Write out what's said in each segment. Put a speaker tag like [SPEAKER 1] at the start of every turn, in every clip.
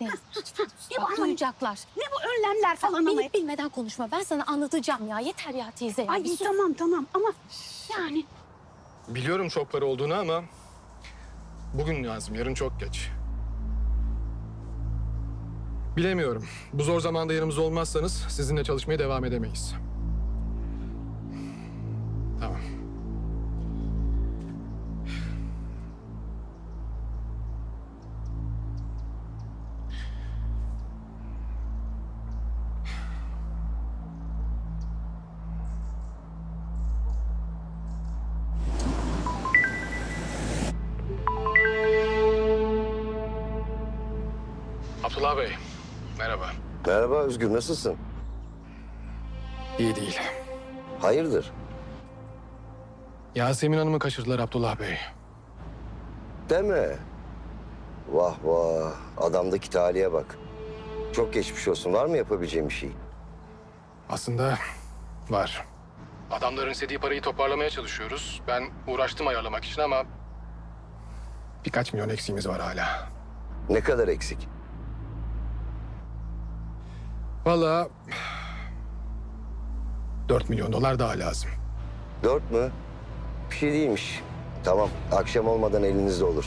[SPEAKER 1] Teyze lütfen.
[SPEAKER 2] Ne
[SPEAKER 1] Bak,
[SPEAKER 2] bu ama?
[SPEAKER 1] duyacaklar.
[SPEAKER 2] Ne bu önlemler falan ama?
[SPEAKER 1] Bilip bilmeden konuşma. Ben sana anlatacağım ya. Yeter ya teyze ya.
[SPEAKER 2] Ay
[SPEAKER 1] Bir sus.
[SPEAKER 2] tamam ama yani
[SPEAKER 3] Biliyorum çok para olduğunu ama bugün lazım, yarın çok geç. Bilemiyorum. Bu zor zamanda yanımızda olmazsanız sizinle çalışmaya devam edemeyiz. Tamam. Abdullah Bey, merhaba.
[SPEAKER 4] Merhaba Özgür, nasılsın?
[SPEAKER 3] İyi değil.
[SPEAKER 4] Hayırdır?
[SPEAKER 3] Yasemin Hanım'ı kaçırdılar Abdullah Bey.
[SPEAKER 4] Deme. Vah vah, adamdaki talihe bak. Çok geçmiş olsun. Var mı yapabileceğim bir şey?
[SPEAKER 3] Aslında var. Adamların istediği parayı toparlamaya çalışıyoruz. Ben uğraştım ayarlamak için ama birkaç milyon eksiğimiz var hala.
[SPEAKER 4] Ne kadar eksik?
[SPEAKER 3] Vallahi 4 milyon dolar daha lazım.
[SPEAKER 4] 4 mü? Bir şey değilmiş. Tamam, akşam olmadan elinizde olur.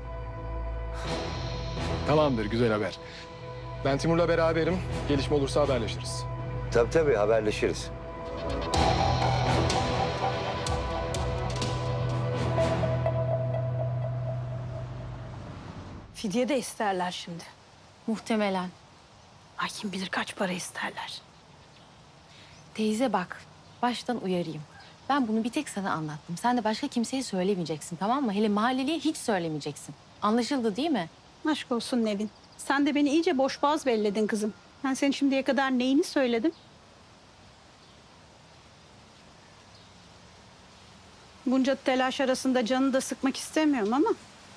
[SPEAKER 3] Tamamdır, güzel haber. Ben Timur'la beraberim. Gelişme olursa haberleşiriz.
[SPEAKER 4] Tabii haberleşiriz.
[SPEAKER 2] fidye de isterler şimdi.
[SPEAKER 1] Muhtemelen.
[SPEAKER 2] Ay kim bilir kaç para isterler.
[SPEAKER 1] Teyze bak. Baştan uyarayım. Ben bunu bir tek sana anlattım. Sen de başka kimseye söylemeyeceksin, tamam mı? Hele mahalleliye hiç söylemeyeceksin. Anlaşıldı değil mi?
[SPEAKER 2] Aşk olsun Nevin. Sen de beni iyice boşboğaz belledin kızım. Ben senin şimdiye kadar neyini söyledim? Bunca telaş arasında canını da sıkmak istemiyorum ama...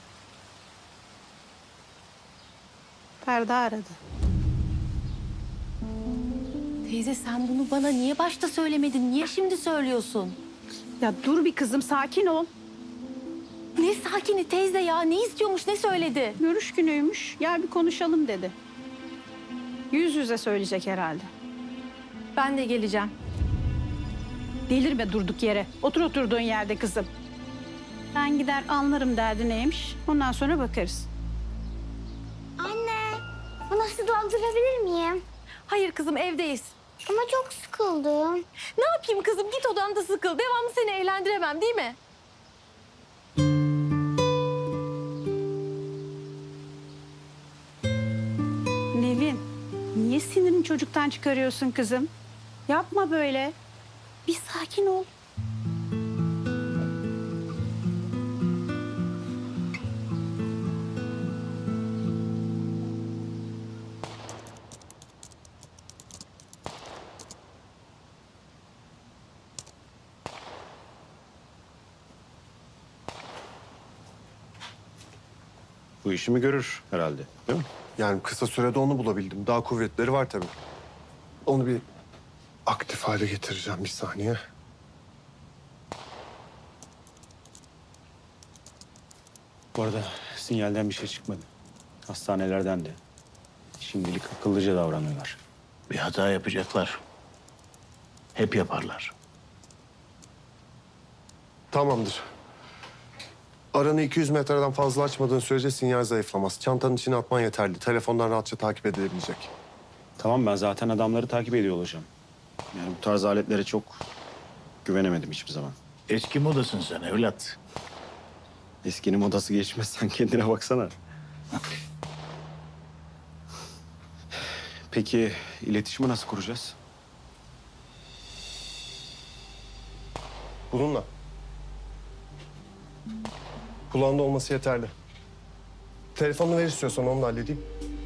[SPEAKER 2] Ferda aradı.
[SPEAKER 1] Teyze sen bunu bana niye başta söylemedin? Niye şimdi söylüyorsun?
[SPEAKER 2] Ya dur bir kızım, sakin ol.
[SPEAKER 1] Ne sakini teyze ya? Ne istiyormuş, ne söyledi?
[SPEAKER 2] Görüş günüymüş. Gel bir konuşalım dedi. Yüz yüze söyleyecek herhalde.
[SPEAKER 1] Ben de geleceğim.
[SPEAKER 2] Delirme durduk yere. Otur oturduğun yerde kızım. Ben gider anlarım derdi neymiş. Ondan sonra bakarız.
[SPEAKER 5] Anne, bana su doldurabilir miyim?
[SPEAKER 1] Hayır kızım, evdeyiz.
[SPEAKER 5] Ama çok sıkıldım.
[SPEAKER 1] Ne yapayım kızım? Git odanda sıkıl. Devamlı seni eğlendiremem değil mi?
[SPEAKER 2] Nevin, niye sinirini çocuktan çıkarıyorsun kızım? Yapma böyle. Bir sakin ol.
[SPEAKER 6] Bu işimi görür herhalde, değil mi?
[SPEAKER 7] Yani kısa sürede onu bulabildim. Daha kuvvetleri var tabii. Onu bir aktif hale getireceğim bir saniye.
[SPEAKER 6] Bu arada sinyalden bir şey çıkmadı. Hastanelerden de. Şimdilik akıllıca davranıyorlar.
[SPEAKER 8] Bir hata yapacaklar. Hep yaparlar.
[SPEAKER 7] Tamamdır. Aranı 200 metreden fazla açmadığın sürece sinyal zayıflamaz. Çantanın içine atman yeterli. Telefondan rahatça takip edilebilecek.
[SPEAKER 6] Tamam, ben zaten adamları takip ediyor olacağım. Yani bu tarz aletlere çok güvenemedim hiçbir zaman.
[SPEAKER 8] Eski modasın sen evlat.
[SPEAKER 6] Eskinin modası geçmez, sen kendine baksana. Peki iletişimi nasıl kuracağız?
[SPEAKER 7] Bununla. Kulağında olması yeterli. Telefonunu ver istiyorsan onu da halledeyim.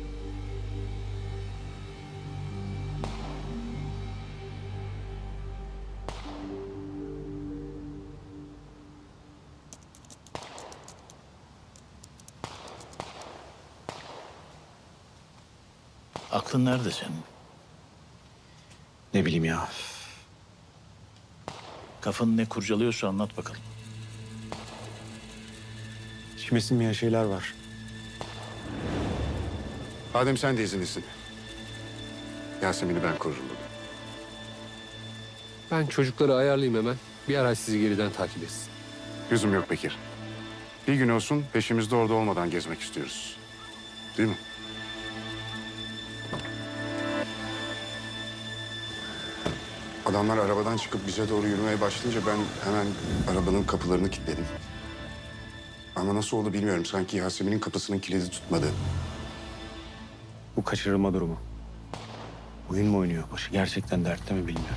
[SPEAKER 8] Aklın nerede senin?
[SPEAKER 6] Ne bileyim ya.
[SPEAKER 8] Kafanı ne kurcalıyorsa anlat bakalım.
[SPEAKER 6] İçime sinmeyen şeyler var.
[SPEAKER 9] Adem sen de izinlisin. Yasemin'i ben korurum bugün.
[SPEAKER 10] Ben çocukları ayarlayayım hemen. Bir araç sizi geriden takip etsin.
[SPEAKER 9] Lüzum yok Bekir. Bir gün olsun peşimizde orada olmadan gezmek istiyoruz. Değil mi? Adamlar arabadan çıkıp bize doğru yürümeye başlayınca ben hemen arabanın kapılarını kilitledim. Ama nasıl oldu bilmiyorum. Sanki Yasemin'in kapısının kilidi tutmadı.
[SPEAKER 6] Bu kaçırılma durumu. Oyun mu oynuyor? Başı gerçekten dertte mi bilmiyorum.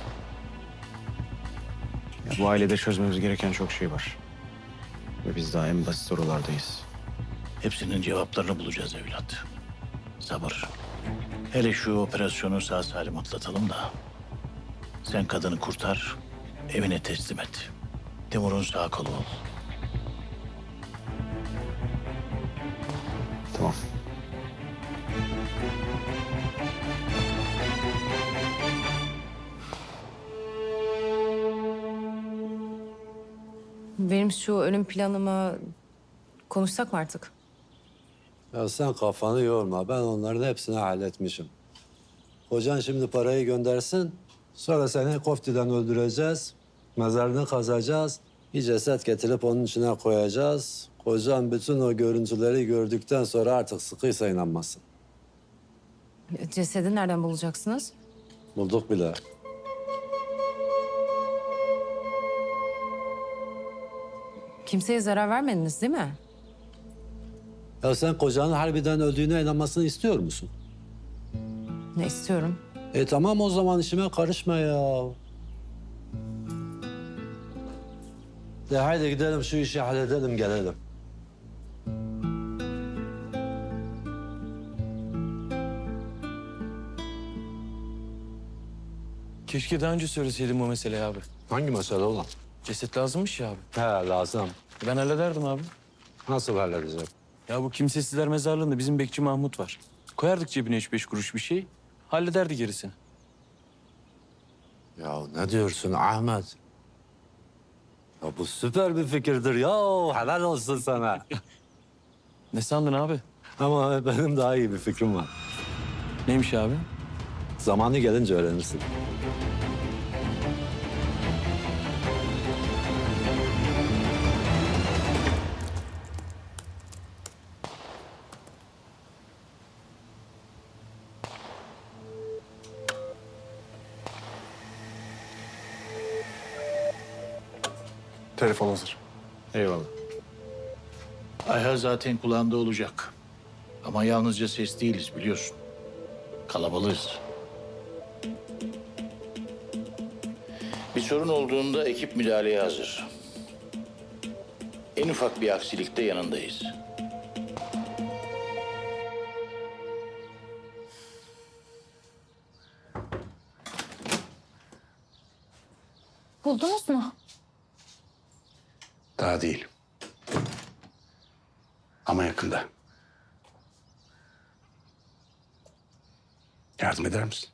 [SPEAKER 6] Ya bu ailede çözmemiz gereken çok şey var. Ve biz daha en basit sorulardayız.
[SPEAKER 8] Hepsinin cevaplarını bulacağız evlat. Sabır. Hele şu operasyonu sağ salim atlatalım da. Sen kadını kurtar, evine teslim et. Timur'un sağ kolu ol.
[SPEAKER 6] Tamam.
[SPEAKER 11] Benim şu ölüm planımı konuşsak mı artık?
[SPEAKER 12] Ya sen kafanı yorma. Ben onların hepsini halletmişim. Kocan şimdi parayı göndersin. Sonra seni koftiden öldüreceğiz. Mezarını kazacağız. Bir ceset getirip onun içine koyacağız. Kocan bütün o görüntüleri gördükten sonra artık sıkıysa inanmasın.
[SPEAKER 11] Cesedi nereden bulacaksınız?
[SPEAKER 12] Bulduk bile.
[SPEAKER 11] Kimseye zarar vermediniz değil mi?
[SPEAKER 12] Ya sen kocanın harbiden öldüğüne inanmasını istiyor musun?
[SPEAKER 11] Ne istiyorum?
[SPEAKER 12] Tamam o zaman işime karışma ya. De haydi gidelim şu işi halledelim gelelim.
[SPEAKER 10] Keşke daha önce söyleseydim o meseleyi abi.
[SPEAKER 12] Hangi mesele olan?
[SPEAKER 10] Ceset lazımmış ya abi.
[SPEAKER 12] He lazım.
[SPEAKER 10] Ben hallederdim abi.
[SPEAKER 12] Nasıl halledeceğim?
[SPEAKER 10] Ya bu kimsesizler mezarlığında bizim bekçi Mahmut var. Koyardık cebine 3-5 kuruş bir şey. Hallederdi gerisini.
[SPEAKER 12] Ya ne diyorsun Ahmet? Ya bu süper bir fikirdir ya. Helal olsun sana.
[SPEAKER 10] Ne sandın abi?
[SPEAKER 12] Ama benim daha iyi bir fikrim var.
[SPEAKER 10] Neymiş abi?
[SPEAKER 12] Zamanı gelince öğrenirsin.
[SPEAKER 7] Telefon hazır.
[SPEAKER 6] Eyvallah.
[SPEAKER 8] Ayha zaten kulağında olacak. Ama yalnızca ses değiliz biliyorsun. Kalabalığız. Bir sorun olduğunda ekip müdahaleye hazır. En ufak bir aksilikte yanındayız.
[SPEAKER 5] Buldunuz mu?
[SPEAKER 9] Daha değil. Ama yakında. Yardım eder misin?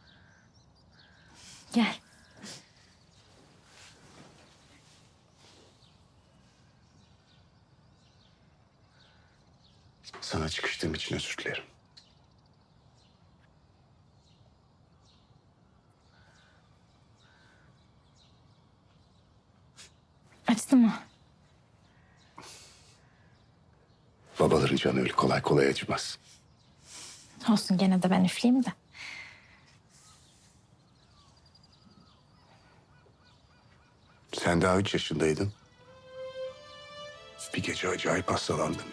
[SPEAKER 5] Gel.
[SPEAKER 9] Sana çıkıştığım için özür dilerim.
[SPEAKER 5] Açtı mı?
[SPEAKER 9] Babaların canı öyle kolay kolay acımaz.
[SPEAKER 5] Olsun gene de ben üfleyeyim de.
[SPEAKER 9] Sen daha 3 yaşındaydın. Bir gece acayip hastalandın.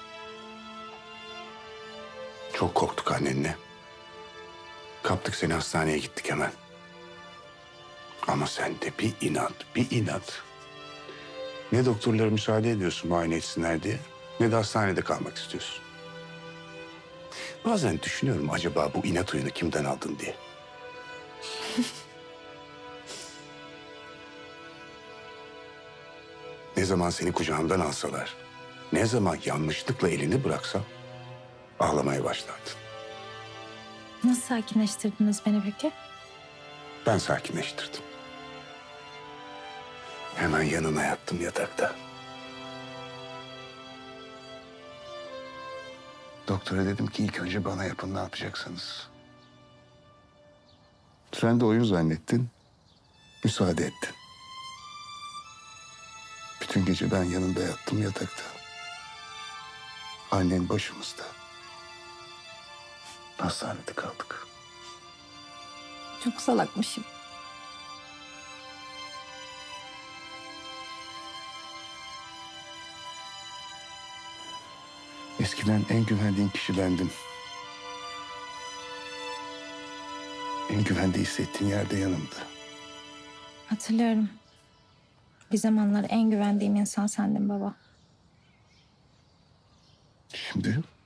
[SPEAKER 9] Çok korktuk annenle. Kaptık seni hastaneye gittik hemen. Ama sen de bir inat, bir inat. Ne doktorlara müsaade ediyorsun muayene etsinler diye, ne de hastanede kalmak istiyorsun. Bazen düşünüyorum acaba bu inat oyunu kimden aldın diye. Ne zaman seni kucağımdan alsalar, ne zaman yanlışlıkla elini bıraksam ağlamaya başlardın.
[SPEAKER 5] Nasıl sakinleştirdiniz beni peki?
[SPEAKER 9] Ben sakinleştirdim. Hemen yanına yattım yatakta. Doktora dedim ki ilk önce bana yapın, ne yapacaksınız? Sen de oyun zannettin. Müsaade ettin. Bütün gece ben yanında yattım yatakta. Annen başımızda. Hastanede kaldık.
[SPEAKER 5] Çok salakmışım.
[SPEAKER 9] Eskiden en güvendiğin kişi bendim. En güvende hissettiğin yerde yanımda.
[SPEAKER 5] Hatırlıyorum. Bir zamanlar en güvendiğim insan sendin baba.
[SPEAKER 9] Şimdi